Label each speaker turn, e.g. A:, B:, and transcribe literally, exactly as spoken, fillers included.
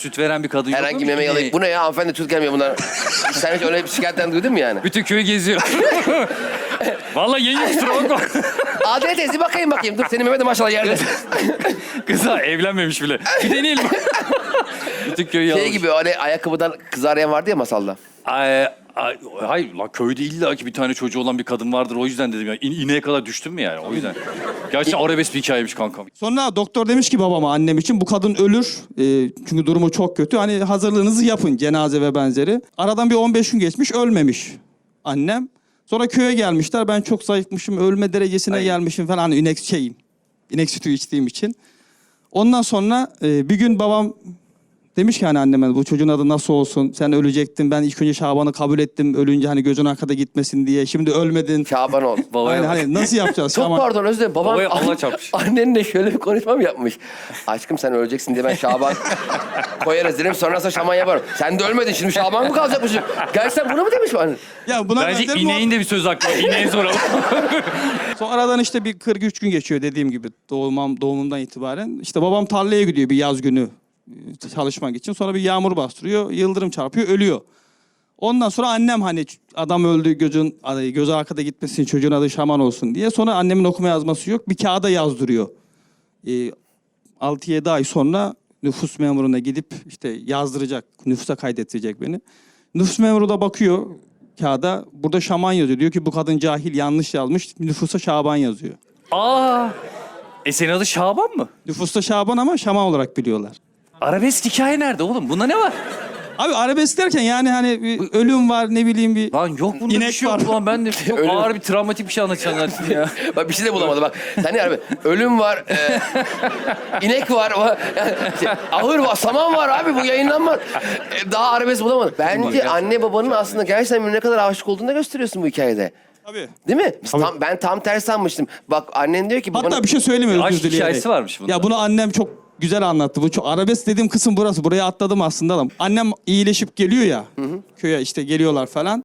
A: Süt veren bir kadın yok mu?
B: Herhangi meme yalayıp bu ne ya hanımefendi süt gelmiyor bunlar. Sen hiç öyle bir şikayetten duydun mu yani?
A: Bütün köyü geziyor. Vallahi yenge kusura bakma.
B: Adile teyze bakayım bakayım. Dur senin meme de maşallah yerde.
A: Kıza evlenmemiş bile. Bir deneyelim. Bütün köyü yalamış.
B: Şey gibi hani ayakkabıdan kız arayan vardı ya masalda.
A: Ay, ay, hayır la köyde illa ki bir tane çocuğu olan bir kadın vardır o yüzden dedim ya. İn, ineğe kadar düştün mü yani o yüzden. Gerçekten arabesk bir hikayeymiş kankam.
C: Sonra doktor demiş ki babama, annem için bu kadın ölür. Ee, çünkü durumu çok kötü. Hani hazırlığınızı yapın, cenaze ve benzeri. Aradan bir on beş gün geçmiş, ölmemiş annem. Sonra köye gelmişler. Ben çok zayıfmışım, ölme derecesine
B: Ay.
C: gelmişim falan. Hani inek şeyim, inek sütü içtiğim için. Ondan sonra e, bir gün babam demiş ki hani anneme, bu çocuğun adı nasıl olsun? Sen ölecektin. Ben ilk önce Şaban'ı kabul ettim. Ölünce hani gözün arkada gitmesin diye. Şimdi ölmedin.
B: Şaban ol.
A: Babaya
C: Aynen,
A: bak.
C: hani nasıl yapacağız?
B: Çok
C: Şaban?
B: pardon özür dilerim. Babam
A: Babaya Allah
B: an-
A: çarpmış.
B: annenle şöyle bir konuşma mı yapmış? Aşkım sen öleceksin diye ben Şaban koyarız dedim. Sonrasında Şaban yaparım. Sen de ölmedin şimdi Şaban mı kalacakmışım? Gerçekten bunu mu demiş bana?
C: Ya buna
A: Bence
C: benzer
A: ineğin de bir söz hakkı var. İneğe soralım.
C: Sonra aradan işte bir kırk üç gün geçiyor dediğim gibi doğumam, doğumumdan itibaren. İşte babam tarlaya gidiyor bir yaz günü e, çalışmak için. Sonra bir yağmur bastırıyor, yıldırım çarpıyor, ölüyor. Ondan sonra annem hani adam öldü, gözün gözü arkada gitmesin, çocuğun adı Şaman olsun diye. Sonra annemin okuma yazması yok, bir kağıda yazdırıyor. E, altı yedi ay sonra nüfus memuruna gidip işte yazdıracak, nüfusa kaydettirecek beni. Nüfus memuru da bakıyor kağıda, burada Şaman yazıyor. Diyor ki bu kadın cahil, yanlış yazmış, nüfusa Şaban yazıyor.
A: Aa. E senin adı Şaban mı?
C: Nüfusta Şaban ama Şaman olarak biliyorlar.
A: Arabesk hikaye nerede oğlum? Bunda ne var?
C: Abi arabesk derken yani hani bir ölüm var, ne bileyim bir...
A: Lan yok bunda bir
C: İnek
A: şey yok
C: var.
A: lan. Ben de çok
B: Ölüm.
A: ağır bir travmatik bir şey anlatacaksın ya.
B: Bak bir şey de bulamadım bak. Sen ne abi? Ölüm var, e, inek var, o- yani şey, ahır var, saman var abi bu yayınlanmaz. E, daha arabesk bulamadım. Bence anne babanın aslında gerçekten ne kadar aşık olduğunu da gösteriyorsun bu hikayede.
C: Tabii.
B: Değil mi? Biz tam, ben tam tersi sanmıştım. Bak annen diyor ki...
C: Hatta bir şey söyleyeyim özür
A: Aşk
C: dileyerek.
A: hikayesi varmış bunda.
C: Ya bunu annem çok güzel anlattı. Bu çok arabesk dediğim kısım burası. Buraya atladım aslında da. Annem iyileşip geliyor ya. Köye işte geliyorlar falan.